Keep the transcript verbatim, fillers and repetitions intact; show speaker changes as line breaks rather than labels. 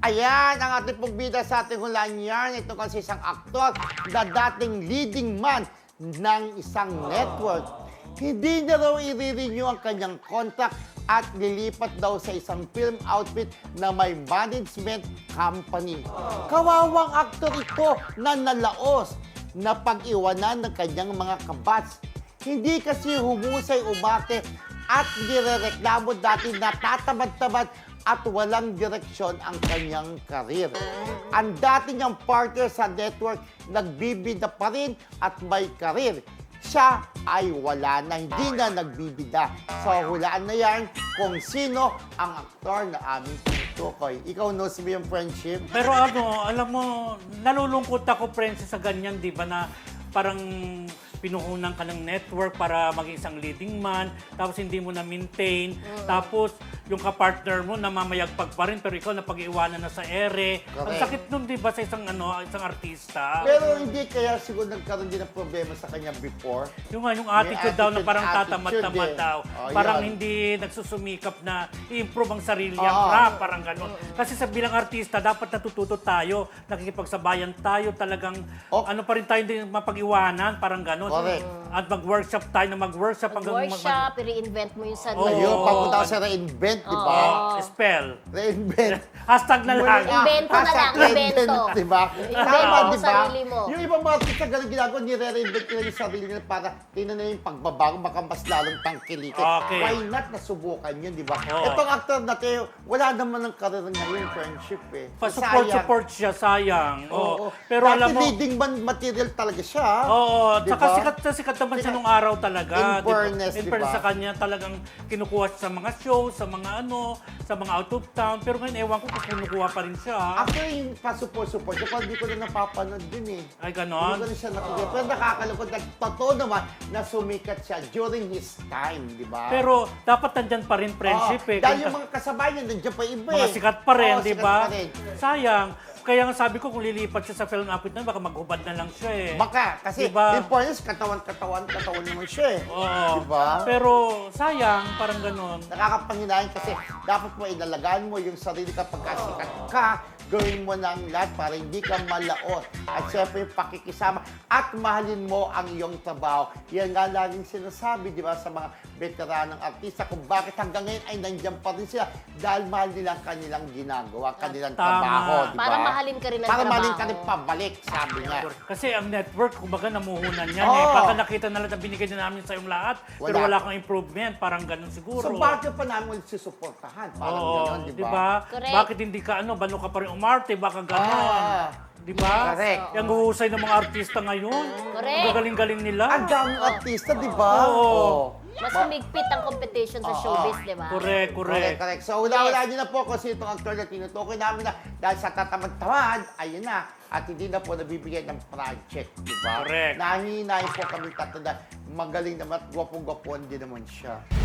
Ayan, ang ating pong bida sa ating hulaan yan. Ito kasi isang aktor na dating leading man ng isang network. Hindi na raw i-renew ang kanyang contract at lilipat daw sa isang film outfit na may management company. Kawawang aktor ito na nalaos na pag-iwanan ng kanyang mga kabats. Hindi kasi humusay umate at nirereklamo dati na tatamad-tamad at walang direksyon ang kanyang karir. Ang dati niyang partner sa network, nagbibida pa rin at may karir. Siya ay wala na, hindi na nagbibida. So, hulaan na yan kung sino ang aktor na aming tinutukoy. Ikaw, knows mo yung friendship?
Pero ano, alam mo, nalulungkot ako, Princess, sa ganyan, di ba, na parang pinuhunan ka ng network para maging isang leading man, tapos hindi mo na-maintain, mm. tapos yung kapartner mo namamayagpag pa rin, pero ikaw napag-iwanan na sa ere.
Correct.
Ang sakit nun, di ba, sa isang, ano, isang artista?
Pero hindi kaya siguro nagkaroon din ng problema sa kanya before.
Yung, yung attitude daw na
attitude,
parang
attitude
tatamad-tamad
eh.
daw.
Oh,
parang
yan.
hindi nagsusumikap na i-improve ang sarili niyang
Oh.
rap, parang gano'n. Kasi sa bilang artista, dapat natututo tayo, nakikipagsabayan tayo, talagang
Oh.
ano pa rin tayo hindi mapag-iwanan, parang gano'n.
Correct.
At mag-workshop tayo na mag-workshop hanggang mag-
Workshop, i-reinvent mo yung sarili.
Oo.
Ayun,
Oh.
papunta sa reinvent, di ba?
Oh, spell.
Reinvent.
Hashtag na lang.
Invento na lang, invento.
Di ba?
Invento
Tama,
mo
di ba?
sarili mo.
Yung ibang mga artista ganun ginagawa, nire-reinvent nila yung sarili nila para tingnan na yung pagbabago, baka mas lalong tangkilikin.
Okay.
Why not nasubukan yun, di ba?
Oo.
Itong actor natin, wala naman ng karir ngayon, friendship eh.
Pa-support,
Sayang.
support siya, sayang.
Oo.
Oh. Pero
Dati
alam mo,
leading man material talaga siya.
oo,
Di
tsaka
ba?
sikat na sikat naman siya nung araw talaga.
In
di ba?
fairness,
In
di
fairness
ba?
sa kanya, talagang kinukuha siya sa mga show, sa mga ano, sa mga out of town. Pero ngayon, ewan ko kung kinukuha pa rin siya.
Actually, yung pa-support-support, yung parang hindi ko na napapanood din eh.
Ay,
Hindi
ganon.
ko na siya nakikita. Pero nakakalungkot na totoo naman na sumikat siya during his time, di ba?
Pero dapat nandyan pa rin friendship
Oo,
eh.
dahil
Kung-
yung mga kasabay niya, nandiyan pa iba
mga
eh.
sikat pa rin,
Oo,
di
sikat
ba?
pa rin.
Sayang. Kaya nga sabi ko, kung lilipat siya sa film outfit na, baka maghubad na lang siya eh.
Baka, kasi
Diba?
in fairness, katawan-katawan, katawan naman siya eh.
Oo.
Di ba?
Pero sayang, parang ganon.
Nakakapanghinayang kasi dapat mo inalagaan mo yung sarili kapag kasikat ka, gawin mo na ang lahat para hindi ka malaot. At syempre yung pakikisama at mahalin mo ang iyong trabaho. Yan nga laging sinasabi, di ba, sa mga veteranong artista kung bakit hanggang ngayon ay nandiyan pa rin sila dahil mahal nila ang kanilang ginagawa, kanilang
Tama.
trabaho, di ba?
Para mahalin ka rin ang
Para
trabaho.
mahalin ka rin pabalik, sabi nga.
Kasi ang network, kumbaga namuhunan yan
Oo.
eh. Baka nakita na lang na binigay na namin sa iyong lahat, pero
Wala.
wala kang improvement, parang ganon siguro.
So bakit pa namin ulit susuportahan? Parang
Oo,
gano'n, di
di
ba?
ba?
Correct.
Bakit hindi ka ano, bano ka pa rin umarte, baka ganon.
Ah.
Di ba?
Correct.
Yung huhusay ng mga artista ngayon.
Correct.
Ang gagaling-galing nila.
Ang daming artista, di ba?
Oo.
Mas humigpit ang competition sa
Oo.
showbiz, di ba?
Correct,
Correct,
correct.
correct. So, wala-wala nyo na po kung sino itong actor na tinutukoy namin na dahil sa tatamad-tamad, ayun na, at hindi na po nabibigyan ng project, di ba?
Correct.
Nahihinayin po kami tatanda. Magaling naman at gwapong-gwapon din naman siya.